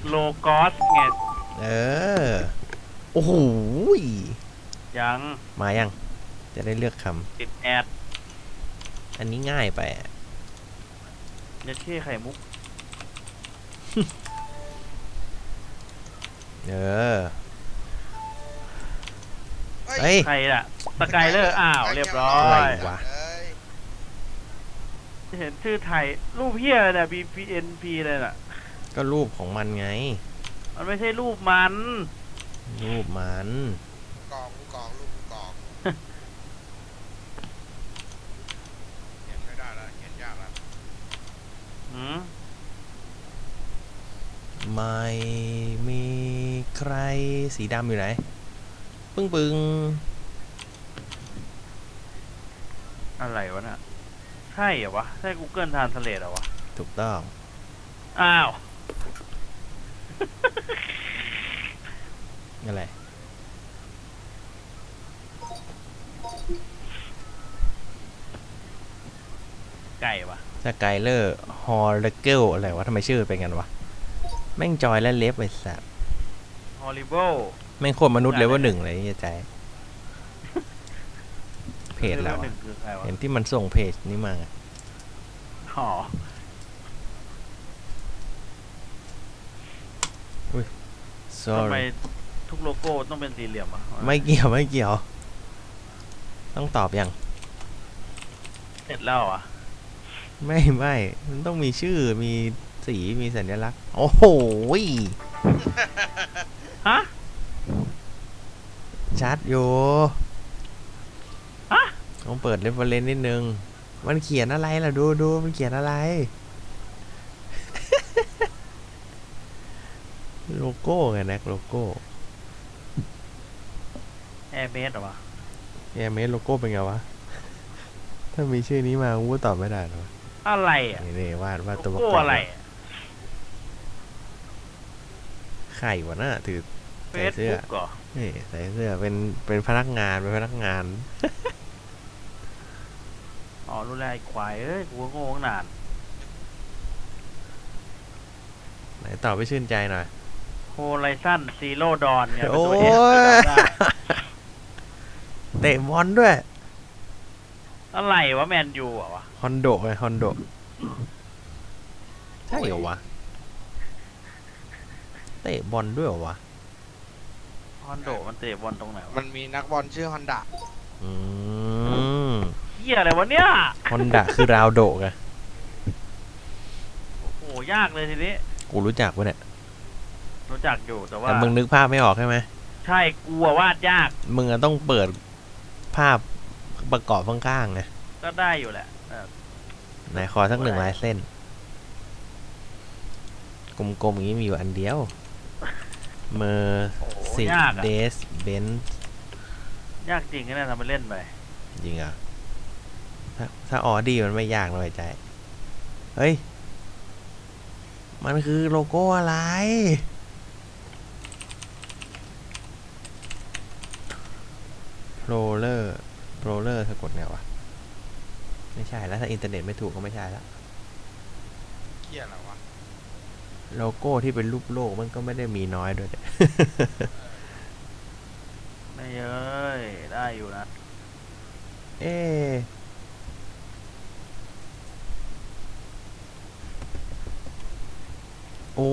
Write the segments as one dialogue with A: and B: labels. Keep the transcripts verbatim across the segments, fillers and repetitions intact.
A: โลกอสไง
B: เออโอ้โห
A: ยัง
B: มายังจะได้เลือกค
A: ติดแอด
B: ำอันนี้ง่ายไป
A: ยัดเช่ไข่มุก
B: เออเฮ้ย
A: ใครล่ะสกายเลอร์อ้าวเรียบร้อ
B: อะไร
A: ย
B: วะ
A: เห็นชื่อไทยรูปเฮียอะไรเนี่ย บี พี เอ็น พี เลยน่ะ
B: ก็รูปของมันไง
A: มันไม่ใช่รูปมัน
B: รูปมัน
C: กองกองลูกกองเขียนไม่ได้แล้วเขียนยากแล้ว
A: หืม
B: ไม่มีใครสีดำอยู่ไหนปึ้งปึ้ง
A: อะไรวะน่ะใช่เหรอวะใช่ Google Translate เหรอวะ
B: ถูกต้อง
A: อ้าว
B: อะไร
A: ไก่วะ
B: สกายเลอร์ฮอลเกลอะไรวะทำไมชื่อเป็นกันวะแม่งจอยและเล็บไอ้สัส
A: Horrible
B: แม่งโคตรมนุษย์เลเวลหนึ่งเลยนี่ใจเพจแล้วเห็นที่มันส่งเพจนี้มา
A: อ๋อ
B: อุ้ย
A: ทำไมทุกโลโก้ต้องเป็นสี่เหลี่ยมอ่ะ
B: ไม่เกี่ยวไม่เกี่ยวต้องตอบยัง
A: เสร็จแล้วอ่ะ
B: ไม่ไม่มันต้องมีชื่อมีสีมีสัญลักษณ์โอ้โห
A: ฮะ
B: ชัดอยู่
A: ฮะ
B: ต้องเปิดเรฟเฟอเรนซ์นิดนึงมันเขียนอะไรล่ะดูดูมันเขียนอะไรโลโก้ไงนะโลโก้
A: แอร์เมสเหรอวะ
B: แอร์เมสโลโก้เป็นไงวะถ้ามีชื่อนี้มากูตอบไม่ได้หรอ
A: อะไรอ่ะ
B: นี่วาดวาดตัว
A: โลโก้อะไร
B: ไข่วะน่ะถือใส่เสื้อนี่ใส่เสื้อเป็นเป็นพนักงานเป็นพนักงาน
A: อ๋อรู้แล้วไอ้ควายเอ้ยกูโง่ตั้งนาน
B: ไหนตอบไปชื่นใจหน่อย
A: โฮไลซันซีโร่ดอนเนี่ย
B: โอ้ยเตะบอลด้วย
A: อะไรวะแมนยูอ่ะวะ
B: ฮอนโดไงฮอนโดใช่เหรอวะเตะบอลด้วยเหรอวะ
A: ฮอนโดมันเตะบอลตรงไหนวะ
C: มันมีนักบอลชื่อฮอนดะ
B: อืม
A: เฮียอะไรวะเนี่ย
B: ฮอนดะคือราวโดไง
A: โอ้ยากเลยทีนี้
B: กูรู้จักวะเนี่ย
A: รู้จักอยู่แต่ว่า
B: แต่มึงนึกภาพไม่ออกใช่ไหม
A: ใช่กูวาดยาก
B: มึงต้องเปิดภาพประกอบข้างๆไง
A: ก็ได้อยู่แหละ
B: ไหนขอสักหนึ่งลายเส้นกลมๆอย่างนี้มีอยู่อันเดียวเมอร์ซิเดสเบนซ์
A: ยากจริงนะทำมาเล่นไป
B: จริงอ่ะถ้าถ้าออดี้มันไม่ยากเลยใจเฮ้ยมันคือโลโก้อะไรโรเลอร์โรเลอร์สะกดไงวะไม่ใช่แล้วถ้าอินเทอร์เน็ตไม่ถูกก็ไม่ใช่แล้ว
C: เกี่ยอะไรวะ
B: โลโก้ที่เป็นรูปโลกมันก็ไม่ได้มีน้อยด้วย
A: ไม่เอ้ยได้อยู่นะ
B: เอโอ้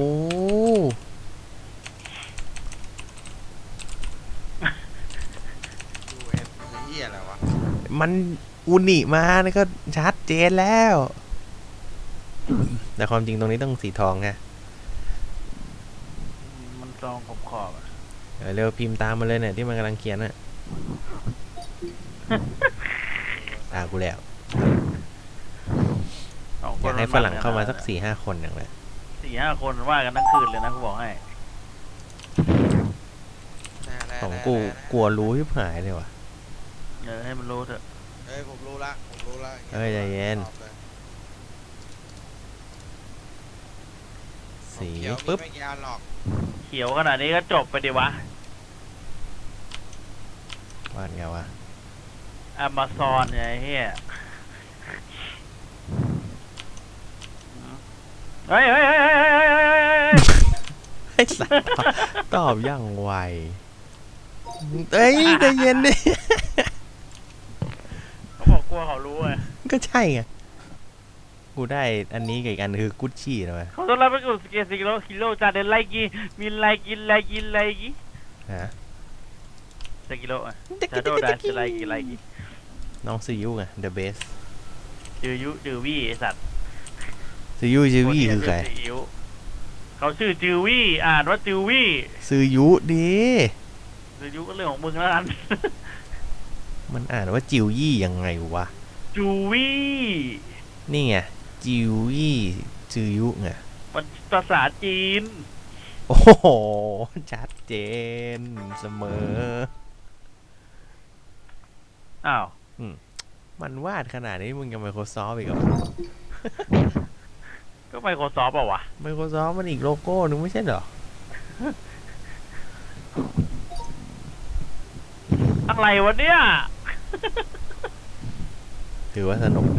C: ดูเอ็มเกี่ยอะไรวะ
B: มันอุนิมานี่ก็ชัดเจนแล้วแต่ความจริงตรงนี้ต้องสีทองไง
A: มันซองขอบขอบ
B: เร็วพิมพ์ตามมาเลยเนี่ยที่มันกำลังเขียนน่ะตากูแล้วอยากให้ฝรั่งเข้ามาสักสี่ห้าคนอย่างไร
A: สี่ห้าคนว่ากันทั้งคืนเลยนะกูบอกให้
B: ของกูกลัวรู้ที่หายเลยว่ะ
A: เออให้มันรู้เถอะ
C: เฮ้ยผมรู้ละผมรู้ละ
B: เฮ้ยใจเย็นสีปึ๊บ
A: เขียวขนาดนี้ก็จบไปดิวะ
B: วาดไงวะ
A: Amazon ไงเฮียเฮ้ยเฮ้ยเฮ้ยเฮ้ย
B: ไอ้สัสตอบอย่างไวเอ้ยใจเย็นดิ
A: เขาบอกกลัวเขารู้ไง
B: ก็ใช่ไงกูได้อันนี้กับอีกอันคือกุชชี่นะเว้ย
A: เขาต้องรับไปกูสเกสิโลฮิโลจาเดนไลกีมินไลกินไลกินไลกิ
B: ฮะ
A: สกิโลอ่ะชาโดดาสไลกิไลกิ
B: น้องซียูไง the best
A: จือยุจือวี่ไอสัตว์
B: ซียูซีวีคือใคร
A: นที่ชื่ซีอิ๊วเขาชื่อจือวี่อ่านว่าจือวี่
B: ซียูดี
A: จือยุก็เรื่องของมึงแล้วกัน
B: มันอ่านว่าจิวยี่ยังไงวะ
A: จูวี่
B: นี่ไงจิวยี่จือยุไง
A: มันภาษาจีน
B: โอ้โหชัดเจนเสมอ
A: อ้าว
B: มันวาดขนาดนี้มึงยัง Microsoft อีกเหรอ
A: ก็ไมโครซอฟต์เปล่าวะ
B: Microsoft มันอีกโลโก้นึงไม่ใช่เหรอ
A: อะไรวะเนี่ย
B: ถือว่าสนุกดี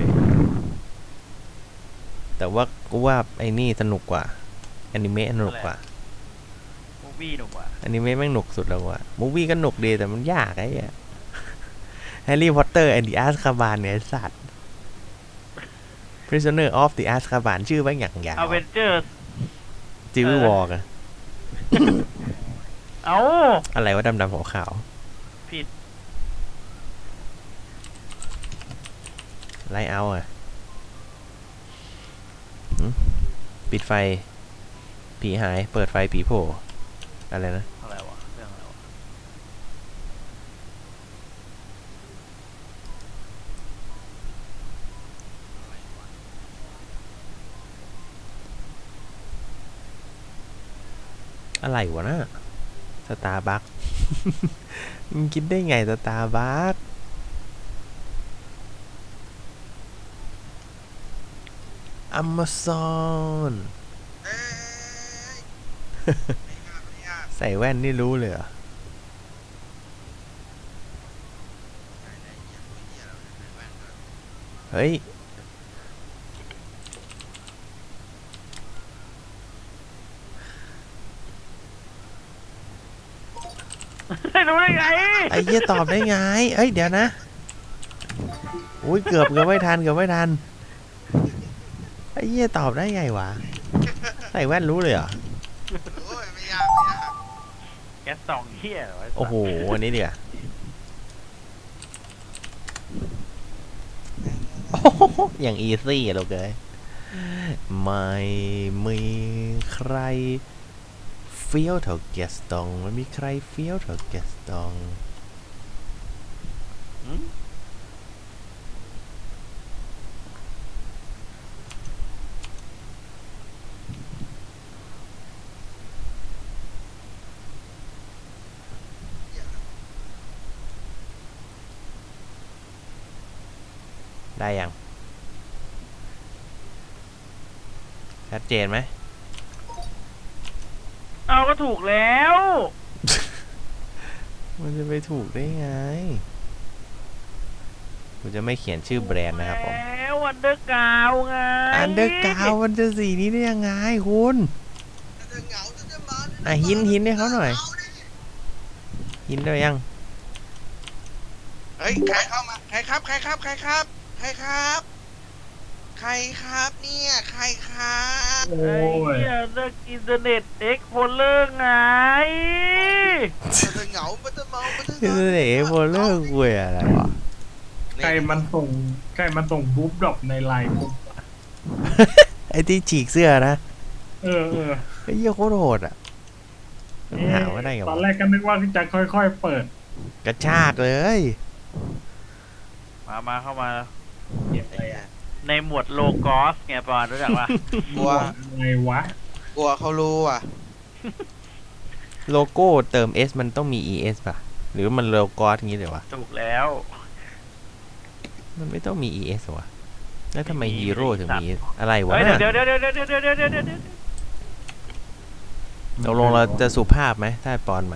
B: แต่ว่ากูว่าไอ้นี่สนุกกว่าแอนิเมะสนุกกว่า
A: มูวี่หนุ่มว่ะ
B: แอนิเมะแม่งหนุกสุดแล้วว่ะมูวี่ก็หนุกดีแต่มันยากไอ้เหี้ยแฮร์รี่พอตเตอร์แอนด์ the Azkaban เนี่ยไอ้สัตว์ Prisoner of the Azkaban ชื่อแม่งอย่างยาว
A: อเวนเจอร์ส
B: จิววอล์กอะ
A: เอ้า
B: อะไรวะดำๆขาว
A: ผิด
B: ๆไลท์เอาท์อะหึปิดไฟ ผีหายเปิดไฟผีโผล่อะไรนะ
A: อะไรวะเรื่องอะไรวะ
B: อะไรวะนะสตาร์บัค มึงคิดได้ไงสตาร์บัคอเมซอน
C: เอ้ยไม่ยากไม่ยาก
B: ใส่แว่นนี่รู้เลยเหรอ
C: ไหนไหนเหี้ยตัวเหี้ยแล้วไหนแว่นด้วย
B: เฮ้ย
A: ไม่รู้ได้ไง
B: ไอ้เหี้ยตอบได้ไง เอ้ย เดี๋ยวนะ อุ้ยเกือบเกือบไม่ทันเกือบไม่ทัน ไอ้เหี้ยตอบได้ไงวะ ใส่แว่นรู้เลยเหรอ
C: โอ้ยไม่ยากไม่ยาก
A: แกสองเฮียเหรอไสัตว์
B: โอ้โห อันนี้เดี๋ยวโอ้โหอย่างอีซี่อะลูกเอ้ยไม่มีใครเฟี้ยวเท่าแกสตองไม่มีใครเฟี้ยวเท่าแกสตอง
A: หืม
B: ได้ยัง ชัดเจนไหม
A: เอาก็ถูกแล้ว
B: มันจะไปถูกได้ไงผมจะไม่เขียนชื่อแบรนด์นะครับผม
A: แล้วอันเดอร์กาวไง
B: อันเดอร์กาวมันจะสีนี้ได้ยังไงคุณ
C: จะเหงาจะจะมา
B: อ่ะหินหินให้เขาหน่อย หินได้ยัง
C: เฮ้ยใครเข้ามาใครครับใครครับใครครับใครครับ ใครครับเนี่ยใครครับ
A: ไอ้เหี้ยเลิกอินเทอร์เน็ตเอ็กโพลเลอร์ไง
C: มันจะเหงามันจะเมามันจะ
B: คือเอ๋โบเลอร์กูอะไรวะ
D: ใครมันส่งใครมันส่งบู๊บดรอปในไลน์ปุ๊บ
B: ไอ้ที่ฉีกเสื้อนะ
D: เออเออ
B: ไอ้เหี้ยโคตรโหดอ่ะมันหาว่าได้ไง
D: ตอน
B: วะ
D: แรกก็นึกว่าที่จะค่อยๆเปิด
B: กระชากเลย
A: มามาเข้ามา
D: เก็บอะไรอ่ะ
A: ในหมวดโลกอสไงปอนรู้จักปะ
C: กลัว
D: อะไรวะ
C: กลัวเขารู้อ่ะ
B: โลโก้เติม S มันต้องมี es ป่ะ หรือมันโลโก้อย่างงี้เลยวะ
A: ถูกแล้ว
B: มันไม่ต้องมี es หรอวะแล้วทำไม
A: ไม่มี
B: ฮีโร่ถึงมี อะไรวะ
A: เฮ้ย
B: น่ะ
A: เดี๋ยวเดี๋ยวเดี๋ยวเดี๋ยวเดี๋ยวเดี๋ยวเดี๋ยวเดี๋ยวเดี๋ยว
B: ตกลงเราจะสุภาพไหมถ้าปอนมา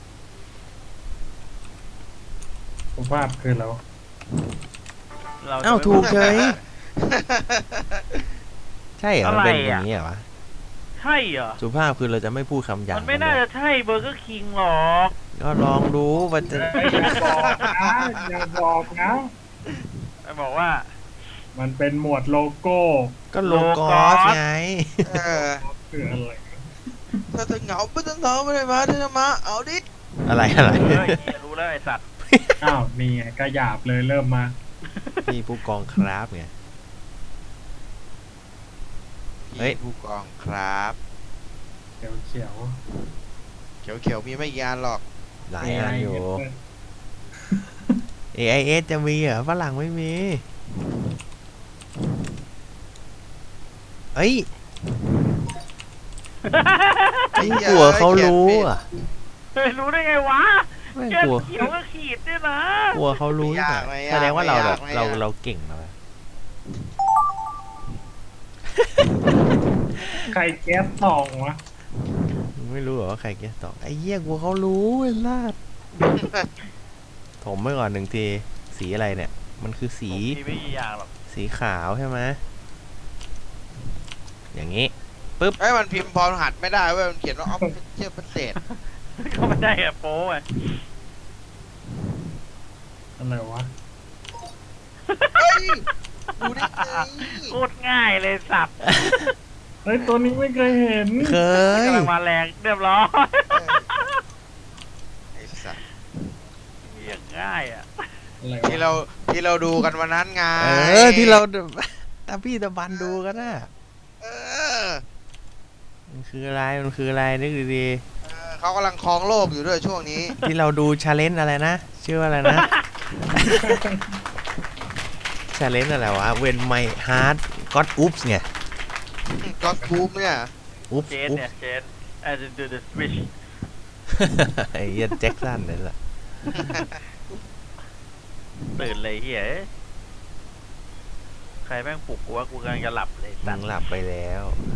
D: ผมว่าคือแล้ว
A: เราจะ
B: เอ้า
A: ไม่
B: ถูกเฉย ใช่เหรอ มันเป็น
A: อะไร
B: อ
A: อ่ะ
B: ย่างนี้เหรอวะ
A: ใช่เหรอ
B: สุภาพคือเราจะไม่พูดคำหยาบ
A: มันไม่น่าจะใช่เบอร์เกอร์คิงหรอก
B: ก็ลองดูมันจะ
D: เอ้ยอย่าบอกนะอย่าบอกนะ
A: ไอ้บอกว่า
D: มันเป็นหมวดโลโก้
B: ก็โลกอสไง
C: เออ
D: คืออะไร
C: ถ้าจะเหงาไม่ต้องเหงาไม่ได้มาเธอมาเอาดิ
B: อะไรอะไร
A: เฮ้ยเหี้ยรู้แล้วไอ้สัตว์
D: อ้าวนี่ไงก็หยาบเลยเริ่มมา
B: พี่ผู้กองครับไง เฮ้ย
C: พี่ผู้กองครับ
D: เขียวเขียว
C: เขียวเขียวๆมีไม่กี่อันหรอก
B: หลายอันอยู่ เอ ไอ เอส จะมีเหรอฝรั่งไม่มี เอ้ย
C: ไอ้เหี้ย
B: กลัวเขารู้อ่ะ
A: เฮ้ยรู้ได้ไงวะ
B: ไม่
A: แค่
B: กลัว
A: เขียวก็ขีดด้วยนะ
B: กลัวเขารู้อ่ะแสดงว่าเราแบบเราเราเก่งแล้ว
D: ใครแก๊สทองวะ
B: ไม่รู้เหรอว่าใครแกตอบไอ้เหี้ยกลัวเขารู้ไอ้ลาด ถมไปก่อนหนึ่งที สีอะไรเนี่ย มันคือสี
A: มีไม่กี่อย่างหรอก
B: สีขาวใช่ไหมอย่างนี้
C: ไอ้ยมันพิมพ์พอหัดไม่ได้เว้ยมันเขียนว่าออฟเชียลพิเศษ
A: ก็ไม่ได้อะโป้ไง
D: อะไรวะ
C: เฮ้ยดูได้ไง
A: โคตรง่ายเลยสัตว์
D: เฮ้ยตัวนี้ไม่เคยเห็น
B: เคย
A: กำลังมาแรงเรียบร้อย
C: ไอ้สัส
A: อย่างง่ายอ่ะ
D: อะไร
C: ที่
D: วะ
C: เราที่เราดูกันวันนั้นไง
B: เออที่เรา ตาพี่ตะบันดูกันน่ะ
C: เออ
B: มันคืออะไรมันคืออะไรนึกดี
C: เออเขากำลังครองโลกอยู่ด้วยช่วงนี้
B: ๆที่เราดูชาเลนจ์อะไรนะชื่อว่าอะไรนะ ชาเลนจ์อะไรวะ When my heart got oops ไง
C: ก็ทูมเนี่ย
B: oops
A: เจน
B: oops
A: เนี่ยเจน as in do the switch
B: ไอ้เหี้ยแจ็คสันนี่แหละ
A: ตื่นเลยเฮียเอ้ยใครแม่งปลุกกูว่ากูกำลังจะหลับเลย
B: มึ
A: สัต
B: ง
A: ว์
B: หลับไปแล้ว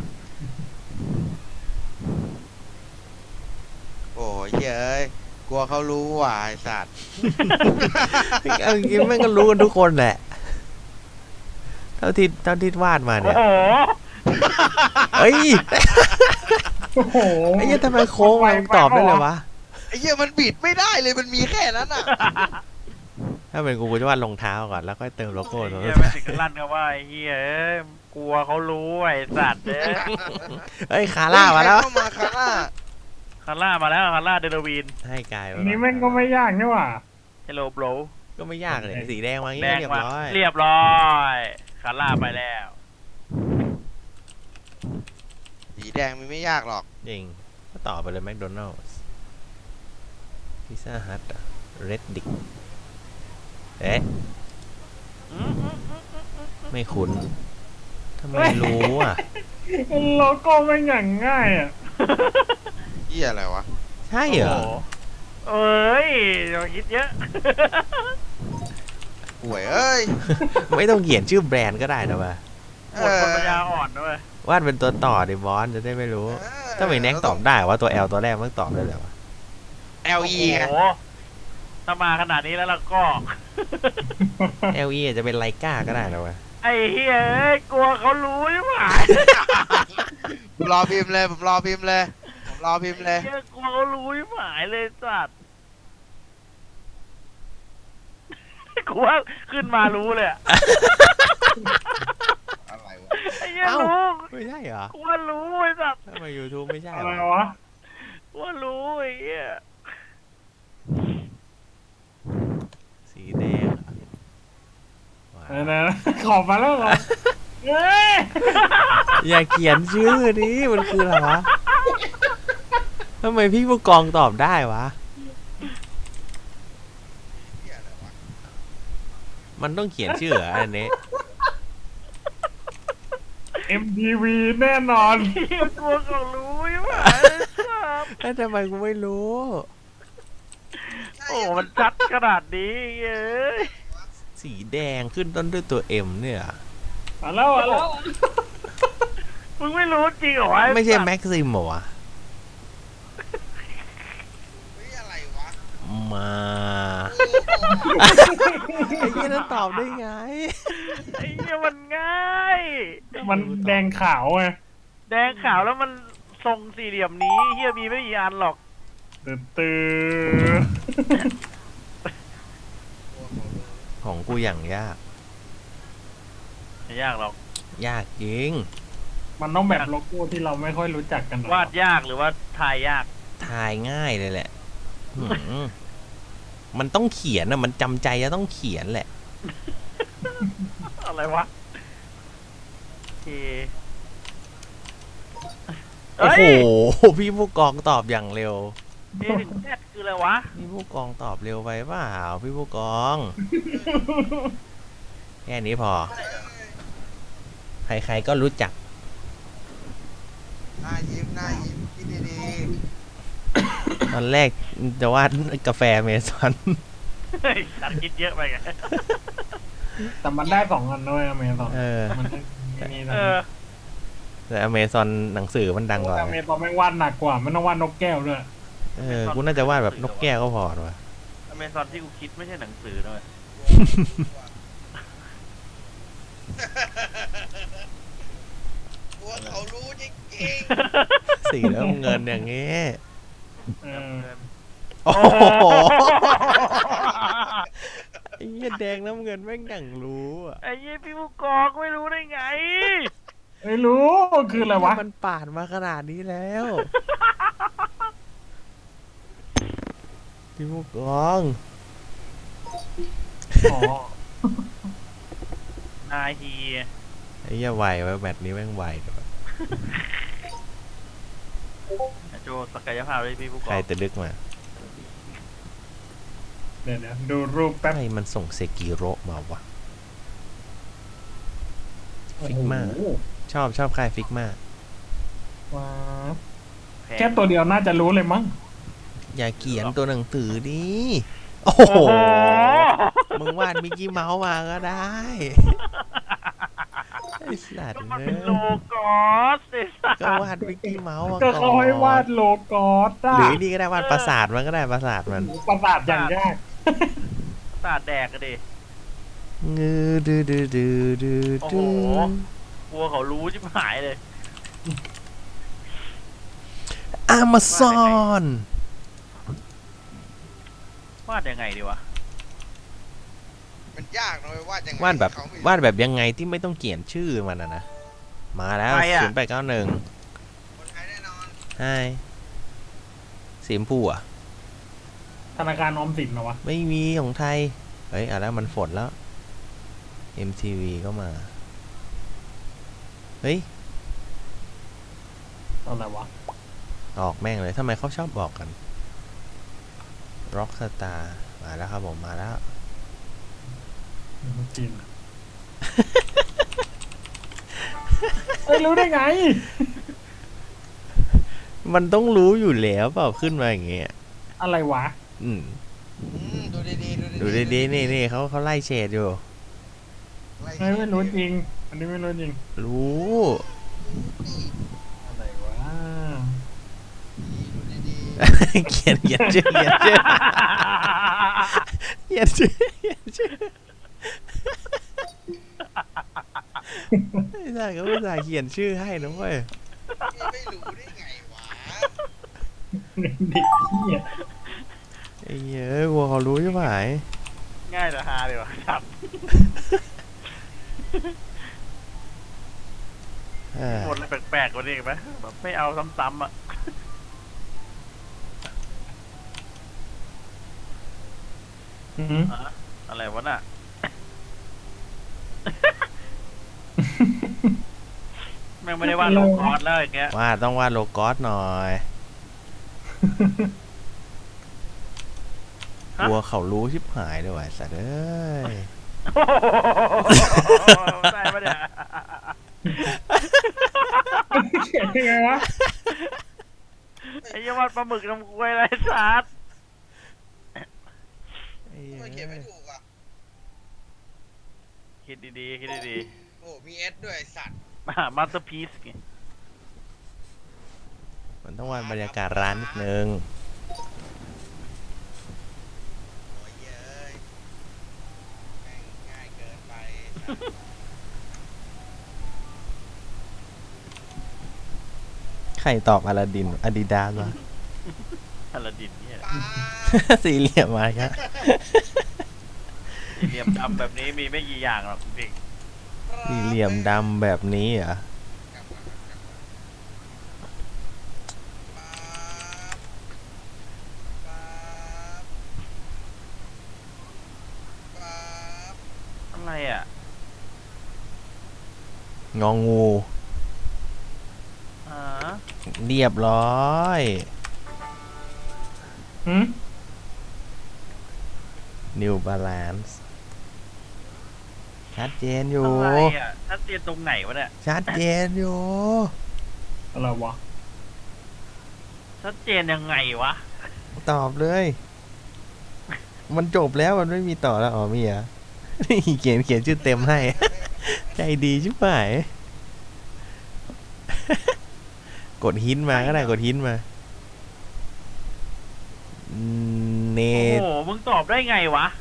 C: โอ้ยเฮ้ยกลัวเขารู้ว่ะไอ้สัตว์
B: เอาจริงๆแม่งก็รู้กันทุกคนแหละ เท่าที่เท่าที่วาดมา
A: โอ้
B: เนี่ย
A: โห
B: เอ้ย
D: โอ้โห
B: ไอ้เหี้ยทำไมโค้งมามึงตอบได้เลยวะ
C: ไอ้เหี้ยมันบิดไม่ได้เลยมันมีแค่นั้นอ่ะ
B: ถ้าเป็นกูกูจะวาดรองเท้าก่อนแล้วค่อยเติมโลโก้ตรง
A: เฮี
B: นั้
A: ย
B: น
A: ไม่ถึงกับลั่นกันว่าไอ้เฮียเอ้ยกลัวเขารู้ไอ้สัตว์เอ้ย
B: เฮ้ยคาร่ามาแล้ว
C: เฮ้ยใครเข้ามาคาร่า
A: คาร่ามาแล้วคาร่าเดลวีน
B: ให้กาย
D: อันนี้แม่งก็ไม่ยากนี่หว่า
A: เฮลโลโบร
B: ก็ไม่ยากเลยสีแดงมางี้
A: แดง
B: เรียบ
A: มา
B: ร้อย
A: เรียบร้อยคาร่าไปแล้ว
C: สีแดงมันไม่ยากหรอก
B: จริงก็ต่อไปเลยแมคโดนัลด์พิซซ่าฮัทเรดดิกเอ๊ะ
A: อืมอืมอืมอืมอืม
B: ไม่คุ้นทำไมรู้อ่ะ
D: โลโก้แม่งอย่างง่ายอ่ะ
C: เหี้ยอะไรวะ
B: ใช่เหรอ
A: โโเอ้ยอย่าคิดเยอะ
C: ป่วยเอ้ย
B: ไม่ต้องเขียนชื่อแบรนด์ก็ได้นะวะ
A: หมดคนปัญญาอ่อนด้วย
B: วาดเป็นตัวต่อดิบอสจะได้ไม่รู้
C: เออ
B: ถ้าไม่แน็กตอบได้ว่าตัว L ตัวแรกมันตอบได้เลยวะ
C: เอลอีไง
A: โอ้โหถ้ามาขนาดนี้แล้วเราก็
B: L E อาจจะเป็นไลกาก็ได้นะวะ
A: ไอ้เฮ้ยเอ้ยกลัวเขารู้ใช่ไหม
C: ผมรอพิมพ์เลยผมรอพิมพ์เลยผมรอพิมพ์เลย
A: เฮ้ยกลัวเขารู้ใช่ไหมเลยสัตว์กลัวขึ้นมารู้เลยอะ
C: อะไรวะ
A: ไอ้เหี้ยรู้
B: ไม่ใช่เหรอก
A: ลัวรู้ไอ้สัตว์
B: ทำไม YouTube ไม่ใช่
D: อะ
B: เหร
D: ไร
B: อ
D: วะ
A: กลัวรู้ไอ้เหี้ย
B: สีแดงเหรอว้าว
D: ไหนๆขอบมาแล้วเหรอเฮ้ย
B: อย่าเขียนชื่อนี้มันคืออะไรวะทำไมพี่ผู้กองตอบได้วะ
C: เหี้ยอะไรวะ
B: มันต้องเขียนชื่อเหรออันนี้
D: เอ็ม ที วี แน่นอน
A: เหี้ยกลัวเขารู้ใช่ไหมเลยสัตว์
B: แล้วทำไมกูไม่รู้
A: โอ้มันชัดขนาดนี้เอ้ย
B: สีแดงขึ้นต้นด้วยตัว M เนี่ย
D: มาแล้วมาแล้ว
A: มึงไม่รู้จริงเหรอวะ
B: ไม่ใช่
A: สัตว์
B: แม็กซิมเหรอวะ
C: เฮ้ยอะไรวะ
B: มา
C: โอ้โห
B: ไอ้ยี่นั้นตอบได้ไง
A: ไอ้เหี้ยมันง่าย
D: มันแดงขาวไง
A: แดงขาวแล้วมันทรงสี่เหลี่ยมนี้เฮียมีไม่กี่อันหรอก
D: ตื่นตื่น
B: ของกูอย่างยาก
A: ไม่ยากหรอก
B: ยากจริง
D: มันต้องแบบโลโก้ที่เราไม่ค่อยรู้จักกันหรอ
A: วาดยากหรือว่าทายยาก
B: ทายง่ายเลยแหละหืมมันต้องเขียนอะมันจำใจจะต้องเขียนแหละ
A: อะไรวะโอเค
B: โอ้
A: เฮ้ย
B: โห พี่ผู้กองตอบอย่างเร็ว
A: เอถึงแซดคืออะไรวะ
B: พี่ผู้กองตอบเร็วไปเปล่าพี่ผู้กอง แค่นี้พอ ใครๆก็รู้จัก
C: หน้ายิ้มหน้ายิ้มคิดดี
B: ตอนแรกจะวาดกาแฟเมซอน
A: เฮ้ยตัดคิดเยอะไปไง
D: แต่มันได้สองอันด้วยอเมซอน
B: เออ
D: มันได้มี
A: เออ
B: แต่อเมซอนหนังสือมันดังกว่า
D: อเมซอนไม่งวาดหนักกว่ามันต้องวาดนกแก้วด้วย
B: เออ กูน่าจะวาดแบบนกแก้วก็พอว่ะ
A: อเมซอนที่กูคิดไม่ใช่หนังสือด้วย
C: ๆกลัวเขารู้จริง
B: สีแล้วเงินอย่างงี้
D: เออ
B: โอ้โหไอ้เหี้ยแดงน้ำเงินแม่งอย่างรู้อ่ะ
A: ไอ้ยี่พี่ผู้กองไม่รู้ได้ไง
D: ไม่รู้คืออะไรวะ
B: มันปาดมาขนาดนี้แล้ว พี่ผู้กอง
D: อ๋อ
A: นาฮี
B: ไอ้เหี้ยไวไว้แมตช์นี้แม่งไวเดี๋ยว
A: โจศักยภาพเลยพี่ผู้ก
B: ใคร
A: อง
B: จะดึกมา
D: เดี๋ยวเดี๋ยวดูรูปแป๊บ
B: ใครมันส่งเซกิโรมาวะ ฟิกมาก
D: โอ้โห
B: ชอบชอบใครฟิกมาก
D: ว้าว
A: แพง
D: แค่ตัวเดียวน่าจะรู้เลยมั้ง
B: อย่าเขียนตัวหนังสือดิโอ้
A: โอ้
B: โห
A: โห
B: มึงวาดมิกกี้เมาส์มาก็ได้ ไอ้สัต
A: ก็
B: ว์
A: มัน
B: เน
A: เป็นโล
B: อะ
A: กอสไอ้สัส
B: ก็วาดมิกกี้เมาส์มา
D: ก็
B: ก่
D: เขาให้วาดโลกอสอะ
B: หรือนี่ก็ได้วาดปราสาทมันก็ได้ปราสาทมัน
D: ประสาทอย่างยาก
A: ตาดแดกกันดิ
B: งือดือดือดือดือ
A: โอ้โห
B: ดือก
A: ลัวเขารู้ชิบหายเลย
B: อามาซอน
A: วาดยังไงดีวะ
C: ๆมันยากนะเว้ยวาดยังไง
B: วาดแบบ
C: เขไม่รู้
B: วาดแบบยังไงที่ไม่ต้องเขียนชื่อมันนะนะ มาแล้ว
A: ใครอะ
B: ศูนย์แปดเก้าหนึ่ง
C: คนไทยแน่นอน
B: ใช่สีชมพูอ่ะ
D: ธนาคารออมสินเหรอวะ
B: ไม่มีของไทย เฮ้ยอ่ะแล้วมันฝนแล้ว เอ็ม ที วี ก็มา เฮ้ย
D: อะไรวะ
B: ออกแม่งเลยทำไมเขาชอบบอกกัน Rock Star มาแล้วครับผมมาแล้ว
D: จีนเอ้ยรู้ได้ไง
B: มันต้องรู้อยู่แล้วเปล่าขึ้นมาอย่างเงี้ย
D: อะไรวะ
B: อืม
C: อืมดูดีๆดูดีๆ
B: ดูดีๆนี่นี่เขาเขาไล่เฉดอยู่
C: ไล่
D: ไม่ไม่รู้จริง อันนี้ไม่รู้จริง
B: รู้
D: อะไรวะ
C: ดูดี
B: เขียนเขียนชื่อเขียนชื่อเขียนชื่อเขียนชื่อไม่ได้เขาไม่ได้เขียนชื่อให้นะเว้ย
C: ๆพี่ไม่รู้ได้ไงวะ
D: เด็กเหี้ย
B: ไอ้เหี้ยเอ้ยวัวเขารู้ใช่ไหม
A: ง่ายแต่ฮาเลยวะครับ
B: เออ
A: หมดอะไรแปลกๆกว่านี้อีกไหมแบบไม่เอาซ้ำๆอ่ะ
D: อืม
A: ฮะอะไรวะน่ะ แม่งไม่ได้วาดโลกอสแล้วอย่างเงี้ย
B: ว่าต้องวาดโลโกอสหน่อย
A: ฮะ
B: กลัวเขารู้ชิบหายเลยว่ะสัตว์เอ้ย
A: โอ้โหได้ปะเนี่ย
D: เขียนยังไงวะ
A: ไอ้เหี้ยวาดปลาหมึกน้ำกล้วยไรสัตว์
B: ไอ้
C: ทำไมเขียนไม่ถูกอ่ะ
A: คิดดีๆคิดดี
C: โอ้มีเอสด้วยไอ้สัตว์
A: ๆมามาสเตอร์พีซไง
B: มันต้องวาดบรรยากาศร้านนิดนึง
C: โอ้ยเย้ยแม่งง่ายเกินไปสัตว์
B: ขใครตอบอลาดินอาดิดาสวะ
A: อลาดินเนี่ย
C: ป๊าบ
B: สี่เหลี่ยมมาครับ
A: สี่เหลี่ยมดำแบบนี้มีไม่กี่อย่างหรอกจริง
B: สี่เหลี่ยมดำแบบนี้เหรอ
C: กลับมากลับมาป๊าบป๊าบป๊าบ
A: ๆอะไรอ่ะ
B: งองู
A: อ่า
B: เรียบร้อย
D: หืม
B: New Balance ชัดเจนอยู่
A: อะไรอ่ะชัดเจนตรงไหนวะเนี่ย
B: ชัดเจนอยู่
D: อะไรวะ
A: ชัดเจนยังไงวะ
B: ตอบเลย มันจบแล้วมันไม่มีต่อแล้ว อ๋อมีเหรอ่ะ นี่เขียนเขียนชื่อเต็มให้ ใจดีชิบหาย กดหินมาก็ได้กดหินมาเน
A: โอ้
B: ต
A: โหมึงตอบได้ไงวะ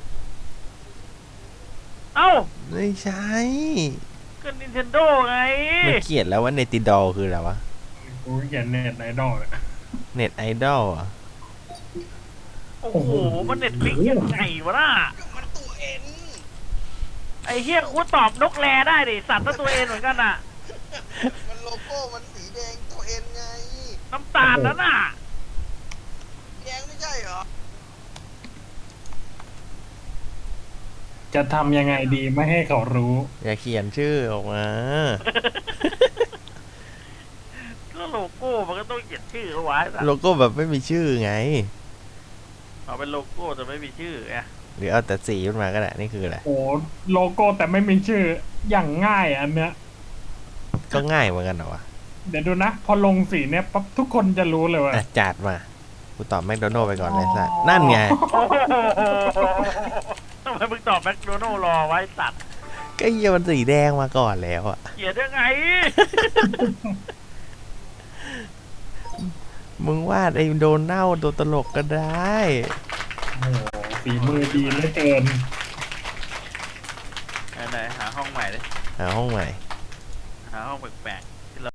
A: เอ้า
B: ไม่ใช่
A: ก็ Nintendo ไง
B: มันเขียนแล้วว่าเนติดอลคืออะไรวะ
D: กูเขียนเน็ตไอดอลเลย
B: เน็ตไอดอลอ่ะ
A: โอ้โห มันเน็ตฟิกยังไงวะน่ะ
C: มันตัวเอ็น
A: ไอ้เฮียกูตอบนกแรได้ดิ สัตว์ตัวตัวเองเหมือนกันอ่ะ
C: มันโลโก้มันสีแดงตัวเอ็นไง
A: น้ำตาลนั่นน่ะ
C: แดงไม่ใช่เหรอ
D: จะทำยังไงดีไม่ให้เขารู้
B: อย่าเขียนชื่อออกมา
A: ก็โลโก้มันก็ต้องเขียนชื่อเอาไว้สัต
B: โล
A: ว์
B: โก้แบบไม่มีชื่อไง
A: เอาเป็นโลโก้แต่ไม่มีชื่อไง
B: หรือเอาแต่สีขึ้นมาก็ได้ นี่คืออะไร
D: โอ้โลโก้แต่ไม่มีชื่ออย่างง่ายอันเนี้ย
B: ก็ง่ายเหมือนกันเหรอวะ
D: เดี๋ยวดูนะ พอลงสีเนี้ยปั๊บทุกคนจะรู้เลยว่า
B: อ่ะจัดมา กูตอบแมคโดนัลด์ไปก่อนเลยสัสนั่นไง
A: ทำไมมึงตอบแมคโดนัลด์รอไว้สัตว์
B: ก็เหี้ยมันสีแดงมาก่อนแล้วอ่ะ
A: เขียนยังไง
B: มึงวาดไอ้โดนัลด์ตัวตลกก็ได้
D: โอ้โหฝีมือดีเหลือเกิน
A: ไหนๆหาห้องใหม่เลย
B: หาห้องใหม่
A: หาห้องแปลก